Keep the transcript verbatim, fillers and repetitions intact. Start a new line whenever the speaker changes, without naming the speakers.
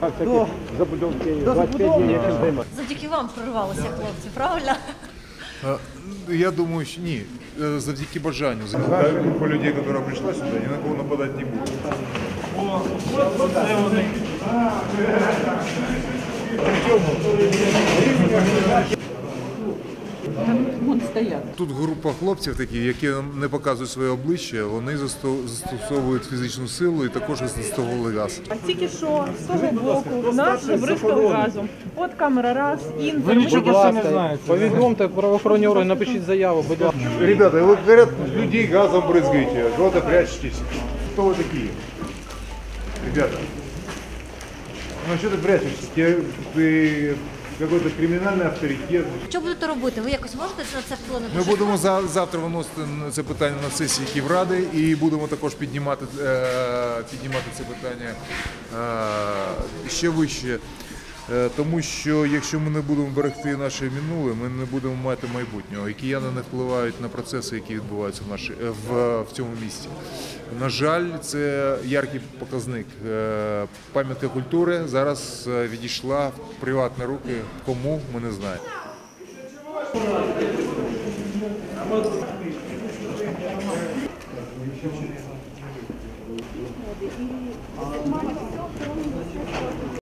до забудовки двадцять п'ять днів зима.
Завдяки вам прорвалися хлопці, правильно?
Я думаю, що ні. Завдяки бажанню. Група людей, яка прийшла сюди, ні на кого нападати не буде. Тут група хлопців такі, які не показують своє обличчя, вони застосовують фізичну силу і також застосовували газ.
Тільки що з того боку нас забризкали газом. От камера раз, інтер.
Ви нічого не знаєте. Повідомте правоохоронні органи, напишіть заяву, будь ласка.
Ребята, вы, говорят, людей газом брызгаете, куда-то прячетесь. Кто вы такие? Ребята, ну что ты прячешься? Ты, ты какой-то кримінальний авторитет.
Що будете робити? Ви якось можете на це вплинути?
Ми будемо за, завтра виносити це питання на сесії Київради і будемо також піднімати, е, піднімати це питання е, ще вище. Е, тому що якщо ми не будемо берегти наше минуле, ми не будемо мати майбутнього. І кияни не впливають на процеси, які відбуваються в, нашій, в, в цьому місті. На жаль, це яркий показник. Е, пам'ятка культури зараз відійшла в приватні руки. Кому, ми не знаємо.